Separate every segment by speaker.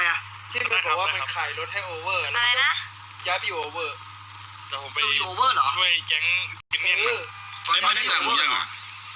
Speaker 1: อ่ะ
Speaker 2: ที่มันบอกว่ามันขายรถให้โอเวอร์อะไรนะย้ายไปอยู่โอเวอร์
Speaker 3: แต่ผมไป
Speaker 1: อยู่โอเวอร์เหรอ
Speaker 3: ช่วยแก๊งกินเงิน
Speaker 4: ไม่ได้ถามมึงยังอ่ะ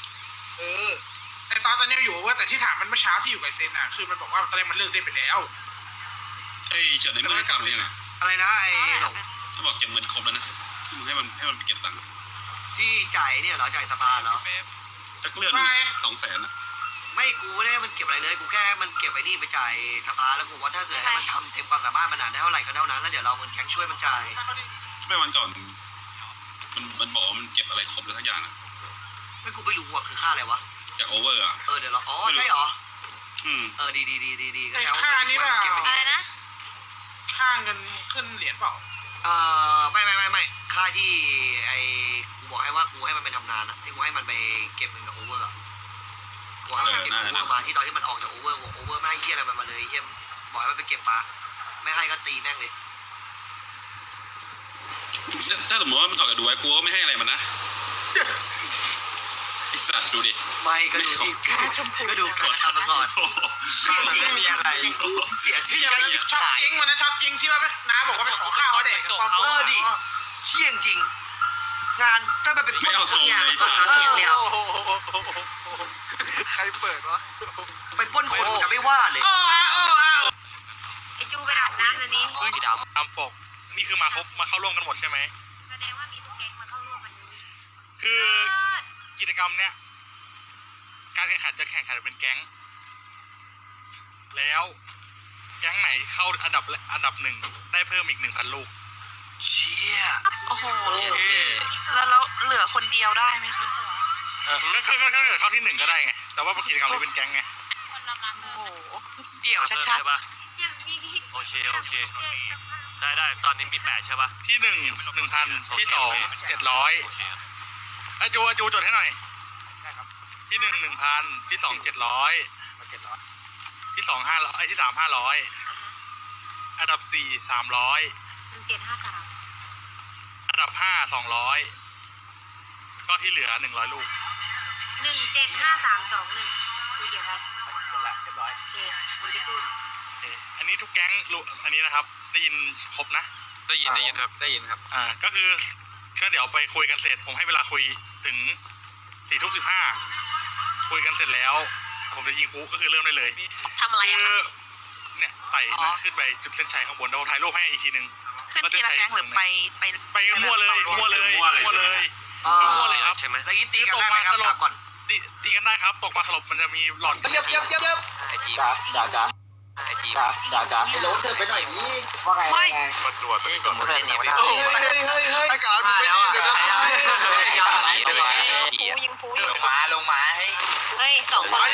Speaker 5: แต่ตอนนี้อยู่ว่าแต่ที่ถามมันเมื่อเช้าที่อยู่กับเซนอ่ะคือมันบอกว่าตอนแรกมันเลิกเล่นไปแล้ว
Speaker 4: ไอ้เฉินนี่ไม่ได้กลับยังไง
Speaker 1: อะไรนะไอ้หลง
Speaker 4: เขาบอกเก็บเงินครบแล้วนะให้มันไปเก็บตังค์
Speaker 1: ที่จ่ายเนี่ยเหรอจ่ายสภาเหรอ
Speaker 4: จะเลื่อน200,000นะ
Speaker 1: ไม่กูไม่ได้มันเก็บอะไรเลยกูแค่มันเก็บไอ้นี่ไปจ่ายสภาแล้วกูว่าถ้าเกิดให้มันทำเต็มความสามารถมันได้เท่าไหร่ก็เท่านั้นแล้วเดี๋ยวเราเงินแก๊งช่วยมันจ่าย
Speaker 4: ไม่วันก่อนมันบอกว่ามันเก็บอะไรครบแล้วทุกอย่างอ่ะ
Speaker 1: ไม่กูไม่รู้ว่าคือค่าอะไรวะ
Speaker 4: จากโอเวอร์อ่ะ
Speaker 1: เดี๋ยวเราใช่เหรอดี
Speaker 5: ค่านี้ป่ะ
Speaker 1: อะไรนะ
Speaker 5: ค่าเงินขึ้นเหรียญเปล่า
Speaker 1: ไม่ค่าที่ไอ้กูบอกให้ว่ากูให้มันไปทำงานอะที่กูให้มันไปเก็บเงินกับโอเวอร์อะกูให้มันเก็บโอเวอร์มาที่ตอนที่มันออกจากโอเวอร์บอกโอเวอร์ไม่ให้เหี้ยอะไรมันมาเลยเหี้ยบอกให้มันไปเก็บปลาไม่ให้ก็ตีแม่งเลย
Speaker 4: ถ้าสมมติว่ามันออกจากดูไว้กูก็ไม่ให้อะไรมันนะไอสัตว์ดูดิ
Speaker 1: ไม่ก็ดูที่ก็ดูก่อนทำมาก่อน
Speaker 2: ไม่มีอะไร
Speaker 1: เสียชื่อ
Speaker 5: ช็อกจริงวันนั้นช็อกจริงที่ว่าน้าบอกว่าไปขอข้าวเขาเด็ก
Speaker 1: ดิเชี่ยจริงงานถ้ามันเป็น
Speaker 4: ไม่เอาทรงเลยสัตว์
Speaker 2: ใครเปิดวะ
Speaker 1: เป็นป้นคนจะไม่ว่าเลย
Speaker 6: ไอจูไปดับน้ำอันนี้
Speaker 3: ตามปกนี่คือมาเข้าร่วมกันหมดใช่ไหม
Speaker 6: แสดงว่ามีทุกแก๊งมาเข้าร่วมวันนี้
Speaker 3: คือกิจกรรมเนี้ยการแข่งขันจะแข่งขันเป็นแก๊งแล้วแก๊งไหนเข้าอันดับ1ได้เพิ่มอีก 1,000 ลูก
Speaker 1: เชี่ย
Speaker 6: โอ้โหแล้วเหลือคนเดียวได้ไหมคะ
Speaker 3: ก็เข้าที่1ก็ได้ไงแต่ว่ากิจกรรมนี้เป็นแก๊งไง
Speaker 6: โอ้โหเดี่ยวชัด
Speaker 7: โอเคได้ตอนนี้มี8ใช่ป่ะ
Speaker 3: ที่1 1,000ที่2 700ไอจูจดให้หน่อยที่1 1,000ที่2 700ที่2 500ที่3 500อันดับ4 300
Speaker 6: 1753
Speaker 3: อันดับ5 200ก็ที่เหลือ100 ลูก
Speaker 6: 175321คุยเกี่ยวกับ
Speaker 7: หมดละเรียบร้อย
Speaker 6: โอเคคุณจะพูด
Speaker 3: อันนี้ทุกแก๊งอันนี้นะครับได้ยินครบนะ
Speaker 7: ได้ยินครับ
Speaker 3: ก็คือเดี๋ยวไปคุยกันเสร็จผมให้เวลาคุยถึง4:15คุยกันเสร็จแล้วผมจะยิงปุ๊ก็คือเริ่มได้เลย
Speaker 6: ทำอะไรอ่ะ
Speaker 3: เนี่ยไต่ขึ้นไปจุดเส้นชัยข้างบนเราถ่ายรูปให้อีกทีนึง
Speaker 6: ขึ้นทีละแก๊งหรือไป
Speaker 3: มั่วเลยครับ
Speaker 1: ใช่ไหมแล้วตีกันได้ไหมครับก่อน
Speaker 3: ตีกันได้ครับตกมาสลบมันจะมีหลอด
Speaker 2: เย็บ
Speaker 7: ไอจี
Speaker 2: จ๋าไอ้โรถเธอไปหน่อยนี่ว่าไง
Speaker 7: ไม่มาตรวจสมมติเนี่ย
Speaker 2: เฮ้ยไอ้กาไม่แล้วอ่ะ
Speaker 6: ยิงพู
Speaker 7: ลงมา
Speaker 6: เฮ้ย2 คน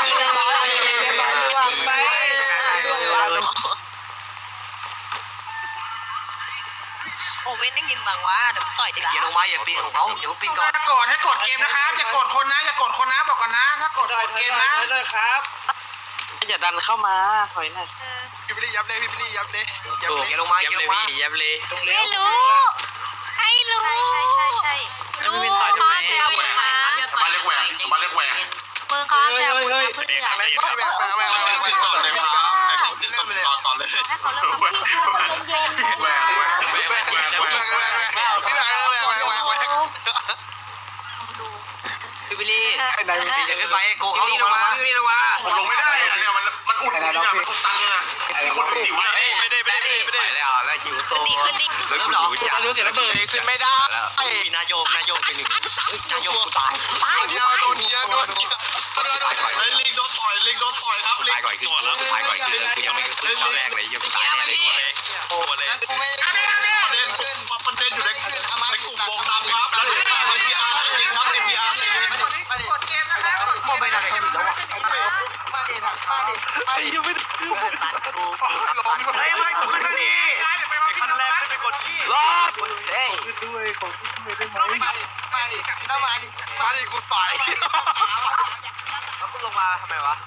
Speaker 6: โอเว่นได้ยินบางว่าเดี๋ยวต่อยติด
Speaker 1: อย่าลงมาอย่าปีนของเขาเดี๋ยวปีนก่อน
Speaker 5: ถ้ากดให้กดเกมนะครับอย่ากดคนนะบอกก่อนนะถ้ากดเกมนะ
Speaker 2: เลยครับ
Speaker 7: อย่าดันเข้ามาถอยหน่อย
Speaker 2: พี่บิลลี่ยับเลย
Speaker 1: อย่าลงมา
Speaker 7: ยับเลย
Speaker 6: ไม่รู้ใช่รู้
Speaker 7: ไม่เป็นต่อยทำไม
Speaker 4: มาเล็กแหวง
Speaker 6: มือเขาแซวเพื่อน
Speaker 4: ขึ้นก่อนเลยครับใครขึ้นก่อนเลย
Speaker 6: ให้เขาเริ่มแหวก
Speaker 7: พี่บิลลี่
Speaker 1: อย่าขึ้นไปโกเขาลงมา
Speaker 4: ผมลงไม่ได้เนี่ยมันอุ่นนี่นะมันตันนะคนหิว
Speaker 7: ไม่ได้แล้วหิวโซ
Speaker 1: เริ่มหรอ
Speaker 7: จะรู้เสียระเบิดขึ้นไม่ได้
Speaker 1: มีนายกเป็นหนึ่งนายกกูตาย
Speaker 2: โดนลิงโดนต่อยครับลิง
Speaker 7: ตายก่อนคือกูยังไม่ขึ้นเช้าแรกเลยยังตายแน่เลย
Speaker 2: โอ้เลยประเด็นอยู่ในกลุ่มวงดำครับแล้วNPR จริงครับ NPR
Speaker 5: กดเกมนะครับ
Speaker 1: โมไม่ได้กันแล้ววะ
Speaker 7: ไอ้ยังไม่ได้
Speaker 1: ไม่กูขึ้นมาดิ
Speaker 7: ขั้นแรกขึ้นไปกดรอดเฮ้ย
Speaker 2: ด้วยของขึ้นได้ไหมมาดิกูต่อย
Speaker 7: แล้วคุณลงมาทำไมวะ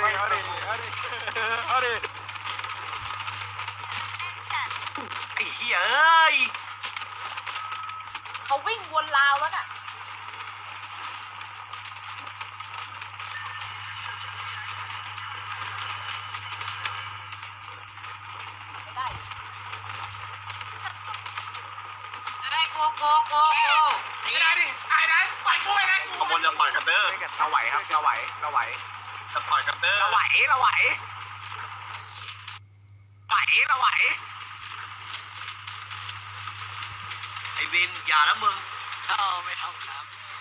Speaker 1: ไอ้เหี้ยยเอ้ย
Speaker 6: เขาวิ่งวนราวแล้วน่ะไม่ได้โก
Speaker 5: ไม่ได้ดิไอ้ไหนปล่อยกูไปไหน
Speaker 2: ขบวนจะต่อยกันเด้อ
Speaker 5: เราไหวครับเราไหว
Speaker 2: จะต่อยกันเด้อ
Speaker 5: เราไหวเราไหวไหว
Speaker 1: ไอ้วินอย่าแล้วมึง
Speaker 7: ไม่ทำครับ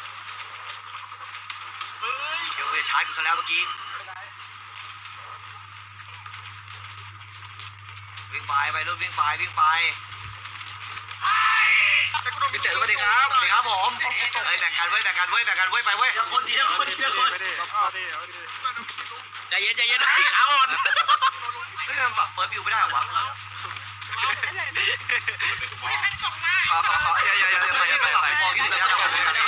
Speaker 2: เฮ้ย
Speaker 1: เดี๋ยวกูจะชาร์จกูซะแล้วเมื่อกี้วิ่งไปไปรุ่นวิ่งไป
Speaker 2: พิเศษสวัสดีครับ
Speaker 1: สวัสดีครับผมเฮ้ยแบ่งกันเว้ยไปเว้ยคนทีละคน
Speaker 7: ใจเย็นขาอ่อน
Speaker 1: เฮ้ยมันปรับเฟิร์สวิวไม่ได้เหรอวะ
Speaker 2: ขออย่า
Speaker 1: ไม่ได้ปรับฟอร์วิวไม่ได้เหรอ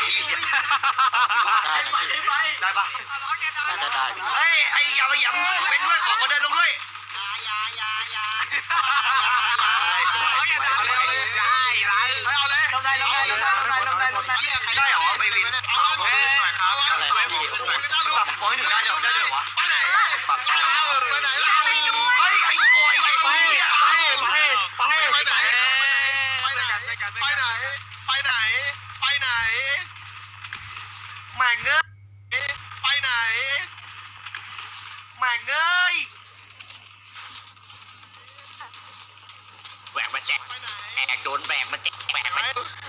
Speaker 1: ได้ปะ
Speaker 7: น่าจะได้
Speaker 1: เฮ้ยไอ้อย่ามาหยำเป็นด้วยขอคนเดินลงด้วยสวย
Speaker 2: เอาเลยเอาเลย
Speaker 1: ได้เหรอไปวิน
Speaker 2: เอาหน่อยครับต่อยผม
Speaker 1: ปรับฟอร์ให้หนึ่งได้เหรอวะ
Speaker 2: ไปไหนปรับไปไหน
Speaker 1: เฮ้ยไอ้โกยไอ้เหี้ย
Speaker 2: ไปไหน
Speaker 1: แม่งเอ้ย
Speaker 2: ไปไหน
Speaker 1: แม่งเอ้ย
Speaker 7: แหวกมาแจกโดนแบกมาแจกแหวกมา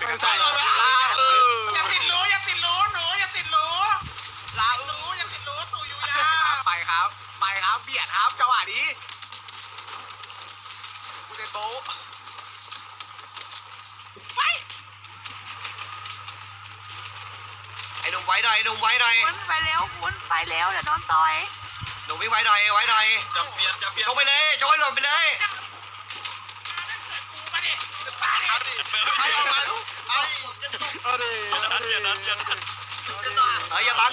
Speaker 5: อย่าติดรู้หนูอย่าติดรู้ตู่อยู่ยาไปครับเบียดครับจังหวะนี้กูเดนโบ
Speaker 1: ไอ้หนุ่มไว้หน่อย
Speaker 6: วนไปแล้วเดี๋ยวโดนต่อย
Speaker 1: หนุ่มวิ่งไว้หน่อย
Speaker 2: จะเปลี่ยน
Speaker 1: ชกไปเลยชกให้หล่นไปเลย อย่าบัง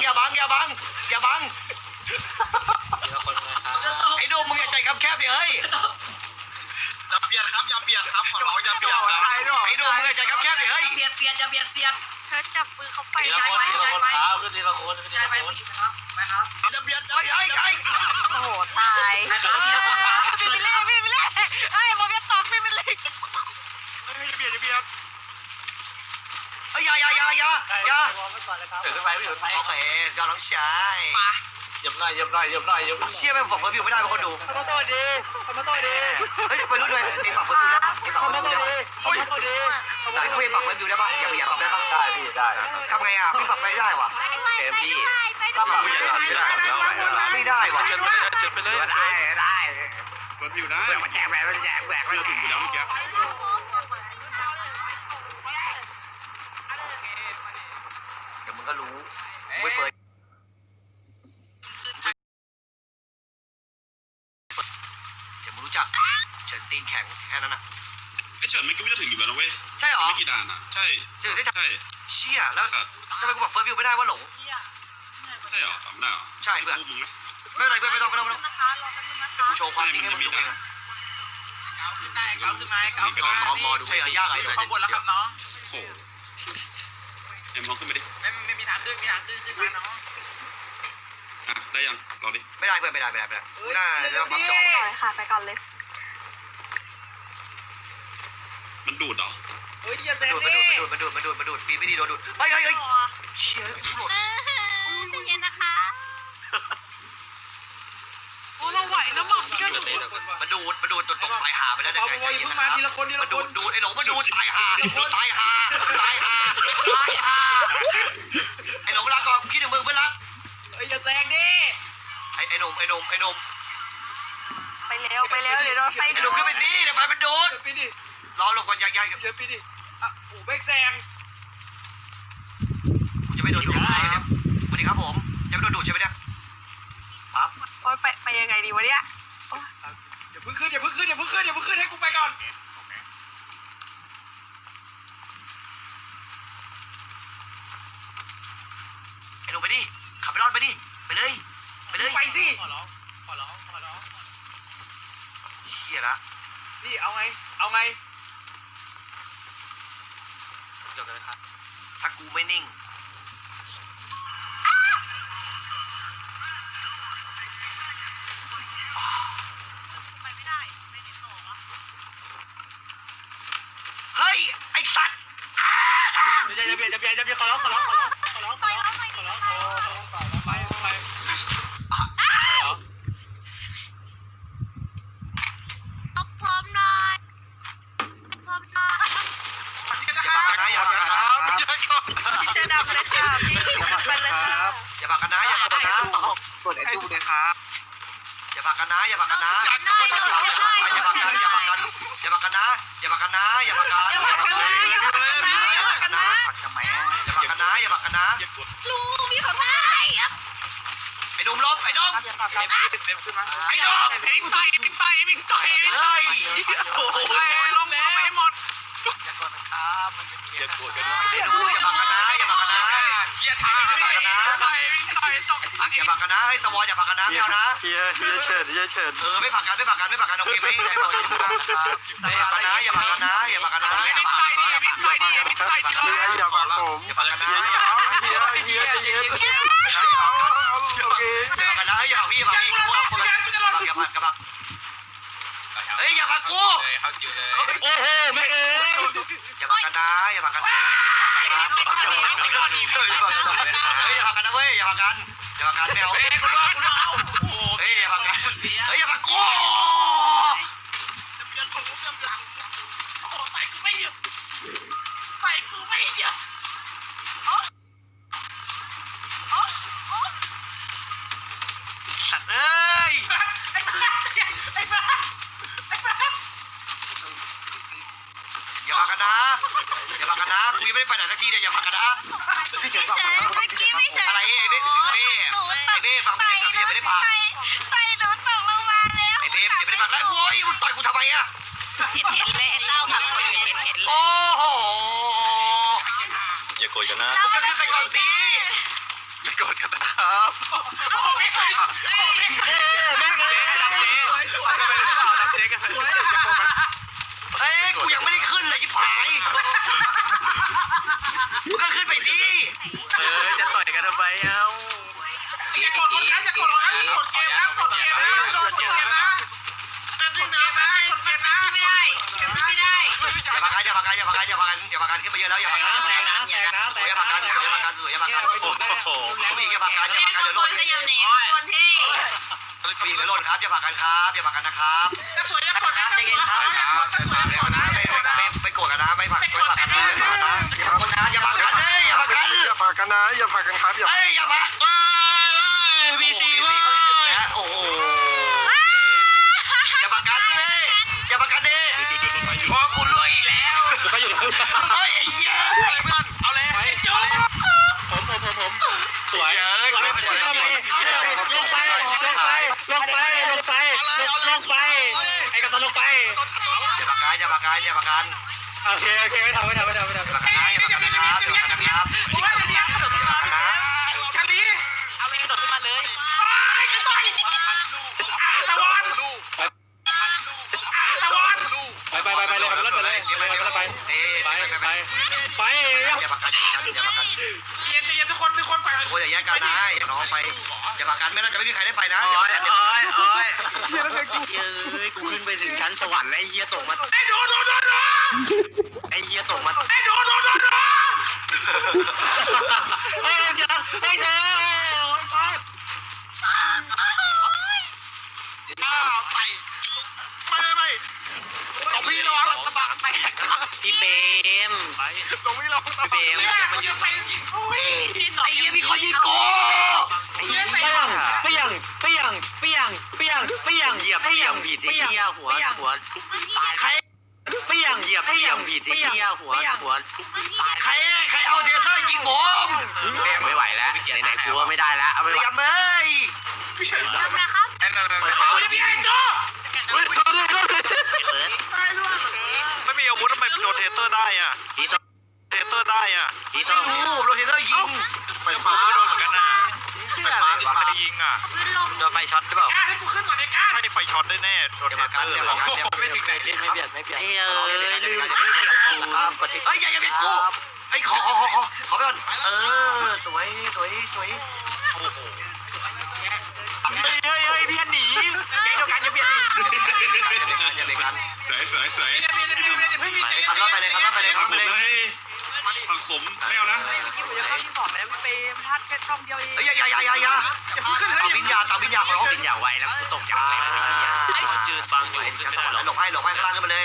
Speaker 1: ไอ้หนุ่มมึงอย่าใจคำแคบดิเฮ้ย
Speaker 2: จะเปลี่ยนครับขอร้องอย่าเปลี่ยนครับ
Speaker 1: ไอ้หนุ่มมึงอย่าใจคำแคบดิเฮ้ย
Speaker 6: เธอจับมือเขาไป
Speaker 7: ทีละคนครับคือทีละคน
Speaker 2: จะเปลี่ยน
Speaker 1: ไอ้
Speaker 6: โอ้โหตายพี่ไปเล่เอ้ยผมจะตอกพี่ไปเล่
Speaker 1: อย่า
Speaker 7: ถือขึ้นไปไม่ถือไป
Speaker 1: โอเคยอดน้องชาย
Speaker 7: เหยียบหน่อย
Speaker 1: เชี่ยแม่งปรับเฟิร์สวิวไม่ได้เป็นคนดูเฮ้ยไปรุ่นด้วยเองปรับเฟิร์สวิวได้ปะเองปรับเฟิร์สวิวได้ปะไหนพวกเองปรับเฟิร์สวิวได้ปะอย่าปรับได้ปะ
Speaker 2: ได้พี่ได้
Speaker 1: ทำไงอ่ะพี่ปรับไม่ได้วะ
Speaker 2: เกมพี่ปรับไม่ได้ไม่ได้แล้ว
Speaker 1: ไม่ได้วะ
Speaker 7: เชิญไปเลย
Speaker 5: ได้
Speaker 2: รถอยู่ได้
Speaker 5: มาแจกแหวกมาแจกแหวก
Speaker 2: เชื่อถึงอยู่แล้วเมื่อกี้
Speaker 1: เดี๋ยวมึงก็รู้ไม่เฟิร์สเดี๋ยวมึงรู้จักเฉินตีนแข็งแค่นั้นนะ
Speaker 2: ไอ้เฉินไม่คิดว่าจะถึงอยู่แล้วนะเว้ย
Speaker 1: ใช่หรอ
Speaker 2: ไม่กี่ด่านอ่ะใช่
Speaker 1: ถึงได้จับ
Speaker 2: ใช่
Speaker 1: เชี่ยแล้ว
Speaker 2: สัตว์
Speaker 1: ทำไมกูปรับเฟิร์สวิวไม่ได้วะหลง
Speaker 2: ใช่เหรอทำได้เหรอ
Speaker 1: ใช่เพื่อน
Speaker 2: มึงไหม
Speaker 1: ไม่เป็นไรเพื่อนไม่ต้องเดี๋ยวกูโชว์ความจริงให้มึงดูเองอะ
Speaker 5: เก้าขึ้นมา
Speaker 1: ลองมอดูใช่เหรอยากไอ้หนู
Speaker 5: ขบวนแล้วครับน้อง
Speaker 2: โอ้เอ็มลองขึ้นไปดิ
Speaker 5: ไม่มีทางขึ้นมาน้อง
Speaker 2: อ่ะได้ยังรอดิ
Speaker 1: ไม่ได้เพื่อนไม่ได้กูน่าจะต้องปรับจอ
Speaker 6: ค่ะไปก่อนเลย
Speaker 2: มันดูดเหรอ
Speaker 5: เฮ้ยอย่าเซ
Speaker 1: มันดูดปีไม่ดีโดนดูดเฮ้ยเชี่ยกูหลุด
Speaker 6: เย็นนะคะ
Speaker 5: เราไหวนะมั่งเชื่อหนู
Speaker 1: มันดูดตกตายหาไปแล้วเนี่ยใจเย็นนะครับมันดูดไอ้หลงมันดูดตายหาไอ้หลงรักก่อนคิดถึงมึงเพื่อนรัก
Speaker 5: อย่าแซงดิ
Speaker 1: ไอ้หนุ่ม
Speaker 6: ไปเร็วเดี๋ยวโดนไฟ
Speaker 1: ไอ้หนุ่มขึ้นไปสิเดี๋ยวไฟมันดูด
Speaker 5: ปีดิ
Speaker 1: รอลงก่อนยาก
Speaker 5: เดี๋ยวปีดิอ่ะโอ้แบกแซง
Speaker 1: กูจะไม่โดนดูดเนี่ยสวัสดีครับผมจะไม่โดนดูดใช่ไหมเนี่ยปั๊บ
Speaker 6: โอ้ยไปยังไงดีวะเนี่ย
Speaker 5: อย่าเพิ่งขึ้นให้กูไปก่อน
Speaker 1: ไอ้หนุ่มไปดิขับไปรอดไปดิไปเลย
Speaker 5: ไปสิ
Speaker 1: เชี่ยละ
Speaker 5: พี่เอาไง
Speaker 7: บกันเลยครับ
Speaker 1: ถ้ากูไม่นิ่งเฮ้ยไอ้สัตว์
Speaker 3: จะเบียดขอร้อง
Speaker 6: ต่อยแล้วไปเอาพร้อมหน่อยพร้อมหน่อย
Speaker 1: อย่าผลักกันนะอย่าผลักกันนะ
Speaker 6: พี่เจดับเลยค่ะพี่ไปเลยค่ะ
Speaker 1: อย่าผลักกันนะอย่าผลักกันนะ
Speaker 2: กดไอ้ตู้เลยครับ
Speaker 1: อย่าผลักกันนะอย่าผลักกันนะ
Speaker 6: น้อยน้อย
Speaker 1: อย่าผลักกันอย่าผลักกันอย่าผลักกันนะอย่าผลักกันนะอย่าผลักกันอย่าผลักกันนะอย่าผลักกันนะ
Speaker 2: ผักทำไมอ่ะ
Speaker 1: อย่าผลักกันนะอย่าผลักกันนะ
Speaker 6: ลูกพี่ขอได้
Speaker 1: ไอ้ดุมลบไอ้ดุมไอ้ดุม
Speaker 3: วิ่งต่อย
Speaker 1: เฮ้ย
Speaker 3: โอ้โหลงไปหมด
Speaker 2: อย่ากดกันนะ
Speaker 1: ไอ้ดุมอย่าผลักกันนะอย่าผลักกันนะ
Speaker 3: เกียร์ทางวิ่งต่อยตก
Speaker 1: อย่าผลักกันนะให้สวออย่าผลักกันนะไม่เอานะ
Speaker 2: เฮียเฉิน
Speaker 1: ไม่ผลักกันโอเคไหมไม่ผลักกันนะอย่าผลักกันนะอย่าผลักกันนะ
Speaker 3: วิ่งต่อยดิที
Speaker 2: เฮียอย่าผลักผม
Speaker 1: อย่าผลักกันนะ
Speaker 2: เฮียใจเย็น
Speaker 1: อย่าผลักกันนะอย่าผลักพี่พวกเราอย่าผลักเฮ้ยอย่าผลักกู
Speaker 3: โอ้โหแม่เอ้ย
Speaker 1: อย่าผลักกันนะอย่าผลักกันนะเฮ้ยอย่าผลักกันนะเว้ยอย่าผลักกันอย่าผลักกันไม่เอาเฮ้ยอย่าผลักกันเฮ้ยอย่าผลักกูสัตว์เอ้ยอย่าผลักกันนะอย่าผลักกันนะกูยังไม่ได้ไปไหนสักทีเนี่ยอย่าผลักกันนะ
Speaker 6: พี่เฉยเมื่อกี้พี่เฉย
Speaker 1: อะไรไอ้เบ้ฟังพี่เฉยไม่ได้ผลัก
Speaker 6: ใส่หนูตกลงมาแล้ว
Speaker 1: ไอ้เบ้ไม่ได้ผลักแล้วโว้ยมึงต่อยกูทำไมอะ
Speaker 6: เห็นเลยไอ้เต้าทำเห็นเลย
Speaker 1: โอ้โห
Speaker 2: อย่ากดกันนะ
Speaker 1: มึงก็ขึ้นไปก่อนสิ
Speaker 2: อย่ากดกันนะครับ
Speaker 1: เฮ้ยกูยังไม่ได้ขึ้นเลยที่ผายมึงก็ขึ้นไปสิ
Speaker 2: จะต่อยกันทำไมเอ้า
Speaker 3: อย่ากดคนนะอย่ากดคนนะกดเกมนะกดเกมนะกดเกมนะแบบนึงนะกดเกมนะไม่ได้ไม่ได้
Speaker 1: อย่าผลักกันขึ้นไปเยอะแล้วอย่าผลักกันอย่าผลักกันผู้หญิงอย่าผลักกันเดี๋ยวโดน
Speaker 6: ก็ยังหนีคนที่
Speaker 1: ผู้หญิงเดี๋ยวโดนครับอย่าผลักกันครับอย่าผลักกันนะครับ
Speaker 3: จะสวยอย่ากดนะจะสวย
Speaker 1: ไม่เอานะไม่โกรธกันนะไม่ผลักกันนะอย่าผลักกันเฮ้ยอย่าผลักกัน
Speaker 2: อย่าผลักกันนะอย่าผลักกันครับอย่า
Speaker 1: เฮ้ยอย่าผลักมีซีว่าโอ้โหอย่าผลักกันเลยอย่าผลักกันดิ
Speaker 3: พอกูรวยอีกแล้ว
Speaker 1: เฮ้ยไอ้เหี้ยเอาเลย
Speaker 3: โจ้
Speaker 2: สวย
Speaker 1: ลงไป
Speaker 3: ไอ้กระตุ้นลงไป
Speaker 1: อย่าผลักกันอย่าผลักกัน
Speaker 3: โอเคไม่ทำ
Speaker 1: อย่าผลักกันนะอย่าผลักกันนะครับอย่าผลักกันนะครับอย่าผลักกันนะ
Speaker 3: ชาลี
Speaker 6: เอาเลยโดดขึ้นมาเลย
Speaker 3: กระตุ้นตะวันไปเลยครับรถไปเลยไปอย่าผลักกัน
Speaker 1: อย่าผลักกัน
Speaker 3: เย็นทุกคนไป
Speaker 1: โอ้ยอย่าแยกกันนะอย่าน้องไปอย่าผลักกันไม่น่าจะไม่มีใครได้ไปนะ
Speaker 2: โอ้ย
Speaker 1: อย่า
Speaker 2: กูขึ้นไปถึงชั้นสวรรค์แล้วไอ้เฮียตกมา
Speaker 3: ไอ้ดู
Speaker 2: ไอ้เฮียตกมา
Speaker 3: ไอ้ดู
Speaker 2: เฮ้ยเธอไม่เอาพี่ระวังกระบะแตกพี่เบมลงพี่ระวังพี่เบม
Speaker 6: ที่สอง
Speaker 1: ไอ้เหี้ยมีคนยิงกู
Speaker 2: เหยียบผิดไอ้เหี้ยหัวทุกตาย
Speaker 1: ใคร
Speaker 2: เหยียบผิดไอ้เหี้ยหัวทุกตาย
Speaker 1: ใครเอาเทเซอร์ยิงผม
Speaker 2: ไม่ไหวแล้วไหนๆกูว่าไม่ได้แล้วเอาไป
Speaker 1: เรียมเอ้ย
Speaker 6: ทำนะครับ
Speaker 3: เอาดิไอ้โจ้
Speaker 2: ไม่มีอาวุธทำไมโดนเทเซอร์ได้อ่ะเทเซอร์ได้อ่ะ
Speaker 1: ไม่รู้โดนเทเซอร์ยิง
Speaker 2: ไฟฟ้าโดนเหมือนกันนะไฟฟ้าหรือใครยิงอ่ะ
Speaker 6: พื้นลง
Speaker 2: โดนไฟช็อตหรือเปล่าก
Speaker 3: ล้าให้กูขึ้นก่อนไอ้กล้า
Speaker 2: ใช่ไฟช็อตได้แน่โดน
Speaker 1: อย่า
Speaker 2: เท
Speaker 1: มา
Speaker 2: เซ
Speaker 1: กั
Speaker 2: อน ร์
Speaker 1: อย่ามากันอย่ามากัน
Speaker 3: ไม่ถึงไหน
Speaker 2: ไม่เบียดเฮ้ยลืม
Speaker 1: เฮ้ยอย่าเป็นกูไอ้ขอไปก่อนสวย
Speaker 2: เฮ้ยพี่หนีเดี๋ยวกันจะเบียดดิ
Speaker 1: อย่าเบรกกัน
Speaker 4: สวย
Speaker 1: ขับรถไปเลยขับไปเลย
Speaker 4: ผักขมไม่เอานะ
Speaker 6: ผมจะเข้าที่บอกแล้วเปย์พลาดแค่ช่องเดียวเอง
Speaker 1: เฮ้ยอย่าต่อวิญญาขอร้อง
Speaker 2: บินอย่าไวแล้วกูตกใจ
Speaker 7: จืดบางอยู่
Speaker 1: ชั้นสวรรค์หลบให้ข้างล่างขึ้นมาเลย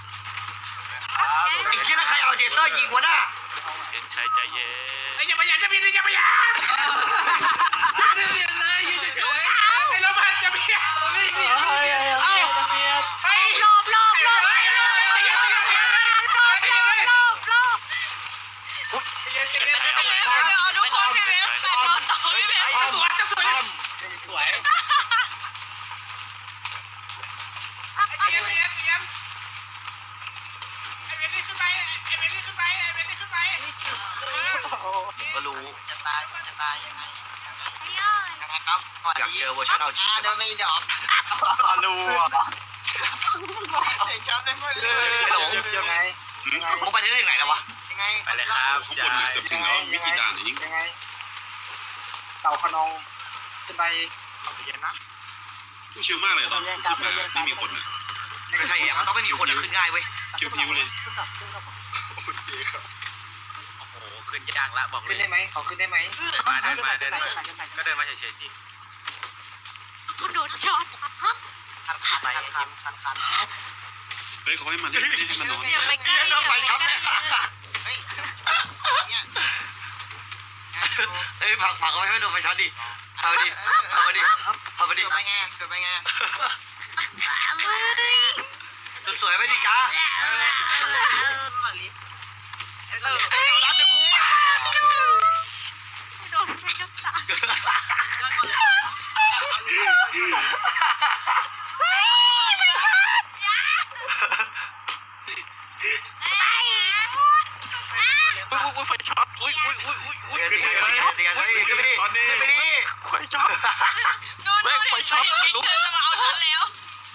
Speaker 1: อีกทีนะใครเอาเจเตอร์ยิงวะน่ะ
Speaker 7: เห็นชัยใจเย็น
Speaker 5: อย่าไปยันจะบินอย่าไปยัน
Speaker 1: ไม่เปลี่ยนเลยยืนเฉย
Speaker 5: ไอ้รถบัสจะบินเอ้าไป
Speaker 6: รอบเอาทุกคนพี่เวฟใส่รถต่อพี่เวฟ
Speaker 5: จะสวย ไอ้เวฟนี่ขึ้นไป
Speaker 1: ก็รู้
Speaker 2: จะตายยังไง
Speaker 1: ครับอยากเจอเวอร์ชันเอาจริง
Speaker 2: เดินไม่ดอกรู้เห็นช้ำได้หมดเลยยังไง
Speaker 1: มึงไปได้ยังไงแล้ววะ
Speaker 2: ยังไง
Speaker 7: ไปเลยครับ
Speaker 4: ข้างบนเกือบถึงแล้วมีกี่ด่านอีก
Speaker 2: ยังไงเต่าขนองขึ้นไปเย็นนะ
Speaker 4: ชิวมากเลยตอนขึ้นมาไม่มีคนนะ
Speaker 1: ไม่ใช่มันต้องไม่มีคนขึ้นง่ายเว้ย
Speaker 4: พิวๆเลย
Speaker 7: โอ้โหขึ้นยากละบอกเล
Speaker 2: ขึ้น
Speaker 7: ย
Speaker 2: ได้ไหมเขาขึ้นได้ไหม
Speaker 7: มาเดินมาก็เดินมาเฉยๆที่
Speaker 6: กูโดนช็อต
Speaker 7: ไป
Speaker 2: คัน
Speaker 4: เฮ้ยเขาให้มันให้มันนอน
Speaker 6: อย่าไปใกล้
Speaker 1: ต้องไปช็อป
Speaker 2: เฮ้ยเนี่ย
Speaker 1: เฮ้ยผักเอาไว้ให้โดนไปช็อตดิเอาไปดิ
Speaker 2: เกิดไปไง
Speaker 1: สวยไปดิจ้า
Speaker 2: รับเดี๋ยวกู
Speaker 6: โดนไปจับตา
Speaker 2: อุ้ยไฟช็อตอุ้ย
Speaker 1: ตีกันขึ้นไปดิ
Speaker 4: ตอนนี้
Speaker 1: ขึ้นไปดิ
Speaker 2: ไฟช็อต
Speaker 6: แม่งไปช็อตไม่รู้จะมาเอาฉันแล้ว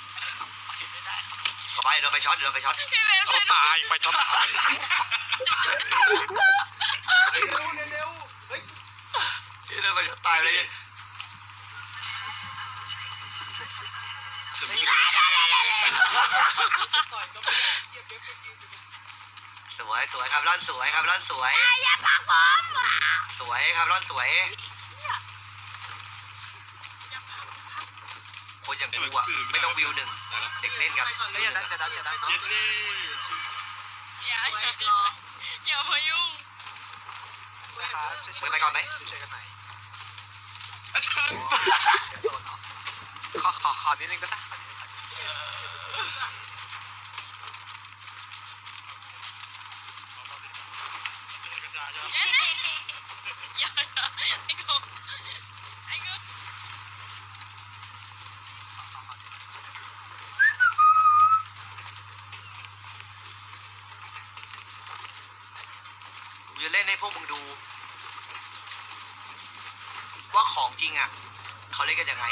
Speaker 1: เข้าไปโดนไปช็อตพี่เวฟช่วย
Speaker 2: ตายไฟช็อตตาย
Speaker 1: โดนไปช็อตตายเลยสวยครับร่อนสวย
Speaker 6: อย่าพักผม
Speaker 1: สวยครับร่อนสวยคนอย่างกูอ่ะไม่ต้องวิวหนึ่งเด็กเล่นกัน
Speaker 2: เฮ้ยจะดัน
Speaker 4: เย็ดเล่
Speaker 6: อย่ามายุ่ง
Speaker 1: ไปก่อนไหม
Speaker 2: ช่วยกันหน่อยขอนิดนึงก็ได้
Speaker 6: อย่าไอ้กู
Speaker 1: กูจะเล่นให้พวกมึงดู ว่าของจริงอ่ะเขาเล่นกันยังไง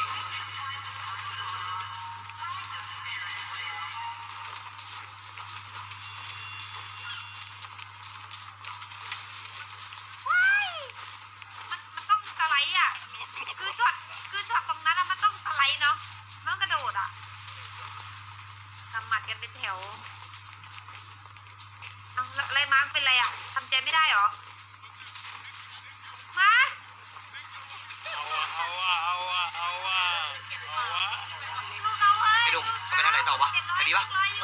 Speaker 6: มันต้องสไลด์อ่ะคือช็อตตรงนั้นอะมันต้องสไลด์เนาะมันต้องกระโดดอ่ะกำหมัดกันเป็นแถวเอาอะไรมาเป็นไรอ่ะทำใจไม่ได้หรอมา
Speaker 3: เอาวะ
Speaker 6: ลูกเราเฮ้ย
Speaker 1: ไอ้ดุมจะไปทางไหนต่อวะทางนี้ปะ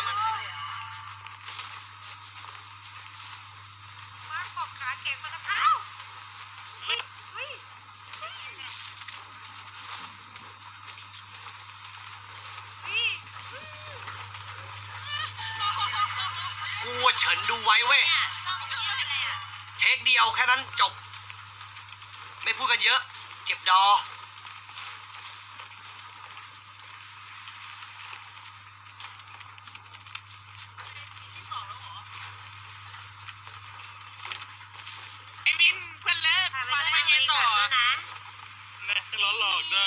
Speaker 6: มากบขาแข็งมาแล้วอ้าวเฮ้ย
Speaker 1: กูเฉินดูไว้เว้ยเทคเดียวแค่นั้นจบไม่พูดกันเยอะเจ็บดอ
Speaker 5: ไอ้วินเพื่อนเลิก
Speaker 6: ถ่ายไป
Speaker 5: มา
Speaker 6: ด้วย
Speaker 5: ไม่
Speaker 6: นะ
Speaker 5: ไงต่อ
Speaker 6: นะ
Speaker 3: แม่ล้อหลอกด้วย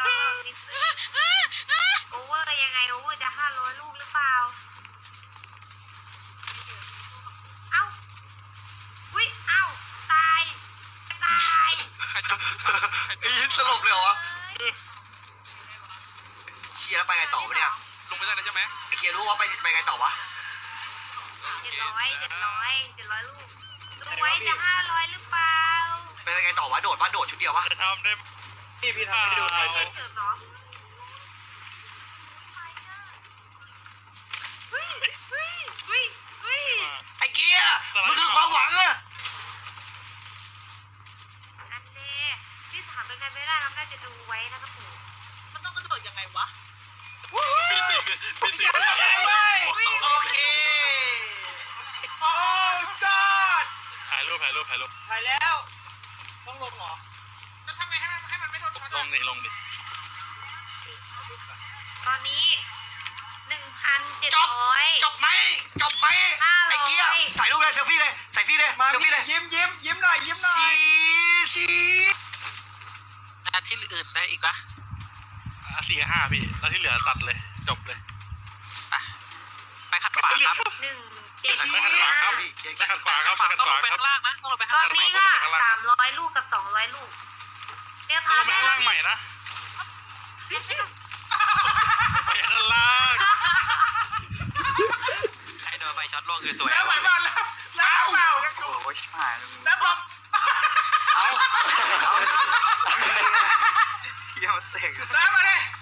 Speaker 6: โอเวอร์ยังไงโอเวอร์จะ500 ลูกหรือเปล่า เอ้า อุ้ย
Speaker 1: สลบเลยเหรอวะเชียร์แล้วไปไงต่อวะเนี่ย
Speaker 2: ลงไปได้แล้วใช่ไหม
Speaker 1: ไอเกียร์รู้ว่าไปไงต่อวะ
Speaker 6: 700ลูกดูไว้จะ500หรือเปล่า
Speaker 1: ไปไงต่อวะโดดปะโดดชุดเดียววะ
Speaker 3: จะทำได้พี่ทำให้ดูหน่อย
Speaker 6: เฉิดเนาะเฮ้ย
Speaker 1: ไอเกียร์มันคือความหวังอะ
Speaker 6: อันเน่ที่ถามเป็นไงไม่ได้เราน่าจะดูไว้นะครับผม
Speaker 2: มันต้องกระโดดยังไงวะ
Speaker 4: ปีสี่
Speaker 5: โอเคโอ้กอด
Speaker 3: ถ่ายรูป
Speaker 5: ถ่ายแล้วต้องลงเหรอแล้วทำไงให้มันไม่โดนช็อต
Speaker 3: ลงดิ
Speaker 6: ตอนนี้
Speaker 1: จบ
Speaker 6: 1,700
Speaker 1: จบไหมไอเกียร์ถ่ายรูปเลยเซลฟี่เลยใส่ฟี่เลย
Speaker 5: มา
Speaker 1: เซลฟี่เลย
Speaker 5: ยิ้มหน่อย
Speaker 1: ชี
Speaker 2: ที่อื่นได้อีกปะ
Speaker 3: 4 กับ 5พี่แล้วที่เหลือตัดเลยจบเลย
Speaker 2: ไปขัดขวาครับ
Speaker 3: ไปขัดขวาครับ
Speaker 6: 1,700
Speaker 3: ไปขัดขวาครับไปขัด
Speaker 2: ต้อง
Speaker 3: ข
Speaker 2: ล
Speaker 3: วาง
Speaker 2: ไป
Speaker 3: ครับ
Speaker 2: ข้างล่างนะต้องลงไป
Speaker 6: ต
Speaker 2: ข้าง
Speaker 6: อน
Speaker 2: ล่าง
Speaker 6: นี้ค่ะ300 ลูกกับ200 ลูกเดี๋ยว
Speaker 3: ต้อ
Speaker 6: ทาง น
Speaker 3: ไป
Speaker 6: ได้
Speaker 3: ข้าง
Speaker 6: แล้
Speaker 3: ล่าว งใหม่
Speaker 6: นี่
Speaker 3: นะไปข้างล่าง
Speaker 2: ใครโดนไฟช็อตล่วงคือสวย
Speaker 5: แล้วไปบ้านแล้วเปล่ากันอยู่
Speaker 2: โอ้ยผ่าน
Speaker 5: แล้วผม
Speaker 2: เยี่ยมเตะ
Speaker 5: แล้วมาดิ